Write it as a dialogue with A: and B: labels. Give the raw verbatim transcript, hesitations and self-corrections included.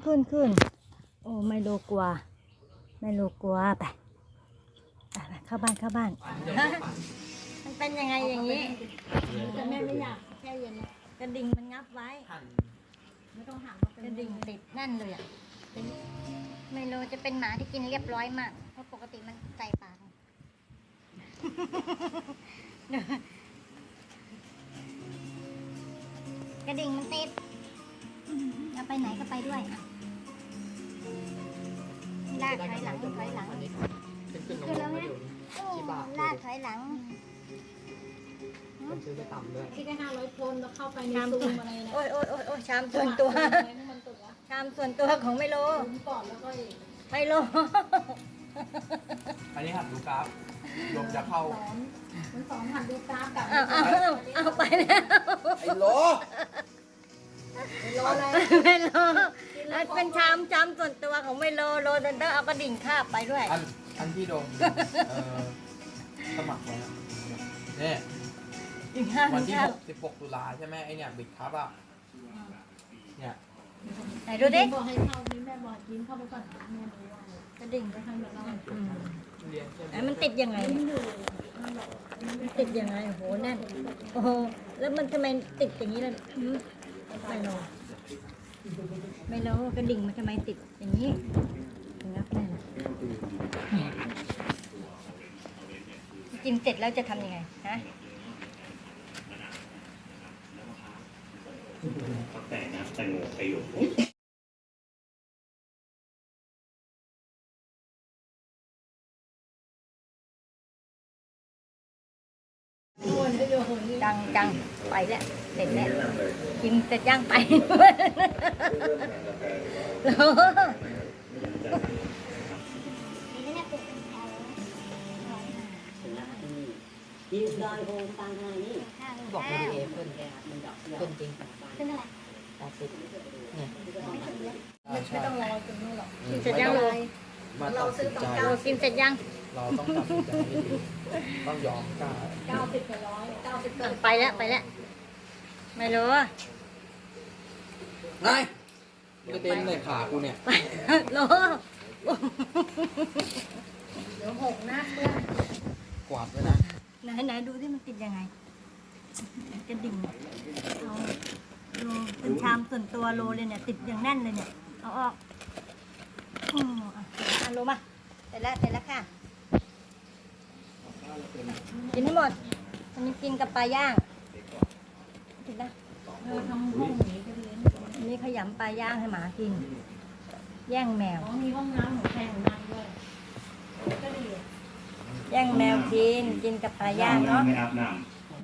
A: ขึ้นขึ้นโอ้ไม่รู้กลัวไม่รู้กลัวไปไปเข้าบ้านเข้าบ้านมันเป็นยังไงอย่างนี้แต่แม่ไม่อยากแช่เย็นกระดิ่งมันงับไว้ไม่ต้องหันกระดิ่งติดแน่นเลยอ่ะไมโลจะเป็นหมาที่กินเรียบร้อยมากเพราะปกติมันใส่ปากกระดิ่งมันติดจะไปไหนก็ไปด้วยอ่ะลากถอยหลังถอยหลังขึ้นแล้วนะลากถอยหลัง
B: มันซื้อไปต่ำด้วย
C: ที่ได้ห้าร้อยคนแล้วเข้าไปในซูมอะไรนะ
A: โอ้ยโอ้ยโอ้ยโอ้ยชามส่วนตัวชามส่วนตัวของไมโล
C: ก่อนแล้วก็
A: ไมโล
B: อันนี้หัดดูกราฟลมจะเข้า
C: มันสองหันดูกราฟกับ
A: เอาเอาเอาไปแล้ว
B: ไอ้โล
C: รออะไร
A: ไมโลเป็นชามชามส่วนตัวของไมโลโลเซนเตอร์เอากระดิ่งคาบไปด้วย
B: อันอันที่โดมสมัครไว้เนี่ยวันที่หกสิบหกตุลาใช่ไหมไอเนี่ยบิดครับอ่ะเนี่ย
A: ไหนดูดิ
C: บอกให้เข้านี่แม่บอกยิ้มเข้าไปก่อนแม่ดูว่ากระดิ่งไปทางแบบนั้น
A: ไอ้มันติดยังไงติดยังไงโอ้โหแน่นโอ้โหแล้วมันทำไมติดอย่างนี้ล่ะไม่รู้ไม่รู้กระดิ่งมันทำไมติดอย่างนี้งับแน่นกินเสร็จแล้วจะทำยังไงฮะ
D: แต่นะแต่งโมไปอยู่
A: จังจังไปแล้วเสร็จแล้วกินเสร็จย่างไป
E: ยืนดอยโฮมตังไงนี่
A: บอกไม่ดีเอฟเพิ่นเพิ่นจริง
E: ขึ้นอะไร
A: แปดสิบเนี่ย
C: ไม่ต้องรอจนนู่นหรอก
A: กินเสร็จยังเลย
B: เราซื้อตรงเก้า
A: กินเสร็จยัง
B: เราต้องตัดสินใจให้ดีต้องยอมกล้า
C: เก้าสิบกับร้อยเก้าสิบกับ
A: ไปแล้วไปแล้วไม่รู้
B: ไงกระเด็นเลยขากูเนี่ย
A: โล
C: เดี๋ยวหกหน้าเพื่อน
B: กวาดไว้นะ
A: ไหนไหนดูที่มันติดยังไงกระดิ่งเอาโลเป็นชามส่วนตัวโลเลยเนี่ยติดอย่างแน่นเลยเนี่ยเอาออกอืมอ่ะโลมาเสร็จแล้วเสร็จแล้วค่ะกินให้หมดมันกินกับปลาย่างกินนะ
C: เออทำห้องนี้ก็เลี้ยง
A: นี่ขยำปลาย่างให้หมากินแย่งแมว
C: มีห้องน้ำของแพงนั่งด้วยก็ดี
A: แย่งแมวกินกินกับปลาย่างเนาะ
D: ไม่อาบน้ำ